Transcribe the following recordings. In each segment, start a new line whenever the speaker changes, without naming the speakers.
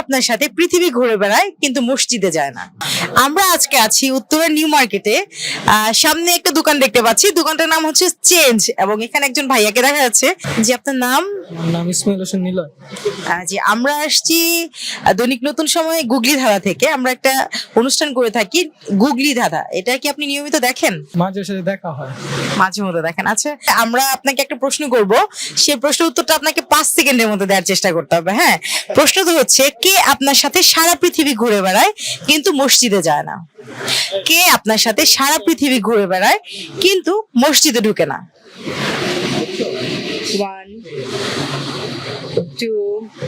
আপনার সাথে পৃথিবী ঘুরে বেড়ায় কিন্তু মসজিদে যায় না? আমরা আজকে আছি উত্তরা নিউ মার্কেটে। সামনে একটা দোকান দেখতে পাচ্ছি, দোকানটার নাম হচ্ছে চেঞ্জ, এবং এখানে একজন ভাইয়াকে দেখা যাচ্ছে। জি, আপনার নাম?
আমার নাম ইসমাইল হোসেন নিলয়।
জি, আমরা আসছি দৈনিক নতুন সময় গুগলি ধাঁধা থেকে। আমরা একটা অনুষ্ঠান করে থাকি গুগলি ধাঁধা। এটা কি আপনি নিয়মিত দেখেন?
মাঝে সাথে দেখা হয়।
মাঝে মধ্যে দেখেন। আচ্ছা, আমরা আপনাকে একটা প্রশ্ন করব, সেই প্রশ্নের উত্তরটা আপনাকে 5 সেকেন্ডের মধ্যে দেওয়ার চেষ্টা করতে হবে। হ্যাঁ, প্রশ্নটা হচ্ছে, কে আপনার সাথে সারা পৃথিবী ঘুরে বেড়ায় কিন্তু মসজিদে যায় না? কে আপনার সাথে সারা পৃথিবী ঘুরে বেড়ায় কিন্তু মসজিদে ঢুকে না? 1 2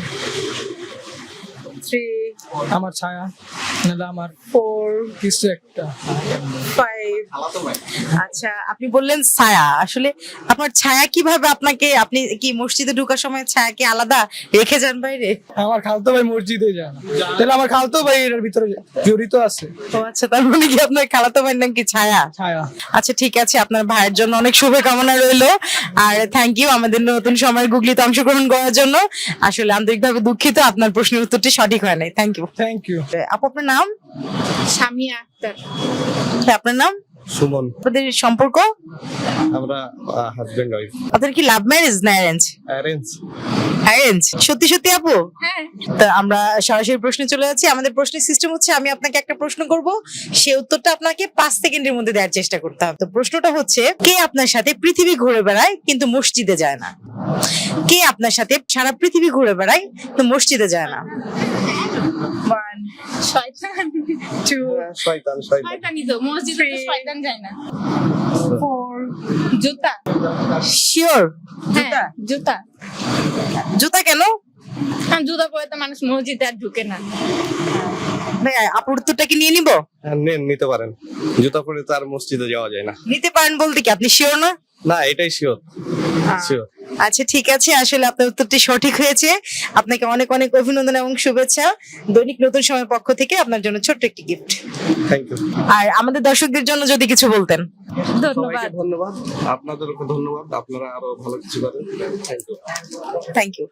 3
আমার ছায়া নাহলে আমার
4
কিছু একটা।
5। আচ্ছা, আপনি বললেন ছায়া। আসলে আপনার ছায়া কিভাবে আপনাকে, আপনি কি মসজিদে ঢোকার সময় ছায়াকে আলাদা রেখে যান বাইরে?
আমার খালতো ভাই মসজিদে যায় না, তাহলে আমার খালতো ভাই এর ভিতরে জড়িত আছে।
ও আচ্ছা, তার মানে কি আপনার খালাতো ভাইয়ের নাম কি ছায়া?
ছায়া।
আচ্ছা, ঠিক আছে, আপনার ভাইয়ের জন্য অনেক শুভকামনা রইলো। আর থ্যাংক ইউ আমাদের নতুন সময়ের গুগলিতে অংশগ্রহণ করার জন্য। আসলে আন্তরিকভাবে দুঃখিত, আপনার প্রশ্নের উত্তরটি সঠিক হয় নাই। Thank you.
Thank you.
আপু, আপনার নাম?
সামিয়া আক্তার।
আপনার নাম?
সুমন।
আপনাদের সম্পর্ক?
আমরা হাজবেন্ড ওয়াইফ।
আপনাদের কি লাভ ম্যারেজ না অ্যারেঞ্জ?
অ্যারেঞ্জ।
অ্যারেঞ্জ? সত্যি সত্যি আপু?
হ্যাঁ।
তা আমরা সরাসরি প্রশ্নে চলে যাচ্ছি। আমাদের প্রশ্নের সিস্টেম হচ্ছে, আমি আপনাকে একটা প্রশ্ন করব, সে উত্তরটা আপনাকে 5 সেকেন্ডের মধ্যে দেওয়ার চেষ্টা করতে হবে। তো প্রশ্নটা হচ্ছে, কে আপনার সাথে পৃথিবী ঘুরে বেড়ায় কিন্তু মসজিদে যায় না? কে আপনার সাথে সারা পৃথিবী ঘুরে বেড়ায় কিন্তু মসজিদে যায় না? 1
শয়তান।
2
শয়তান।
শয়তানি তো মসজিদে তো শয়তান যায় না।
4
জুতা।
শিওর? জুতা?
হ্যাঁ, জুতা।
জুতা কেন?
কারণ জুতা পরে তো মানুষ মসজিদে আর ঢুকে না।
ভাই, আপুর উত্তরটা কি নিয়ে নিব?
নেন, নিতে পারেন। জুতা পরে তো আর মসজিদে যাওয়া যায় না।
নিতে পারেন বলতে কি আপনি শিওর না?
না, এটাই শিওর। শিওর।
আচ্ছা, ঠিক আছে, আসলে আপনার উত্তরটি সঠিক হয়েছে। আপনাকে অনেক অনেক অভিনন্দন এবং শুভেচ্ছা। দৈনিক নতুন সময় পক্ষ থেকে আপনার জন্য ছোট্ট একটি গিফট।
Thank you.
আর আমাদের দর্শকদের জন্য যদি কিছু বলতেন।
ধন্যবাদ।
ধন্যবাদ। আপনাদেরকে ধন্যবাদ। আপনারা আরো ভালো কিছু করেন। Thank you.
Thank you.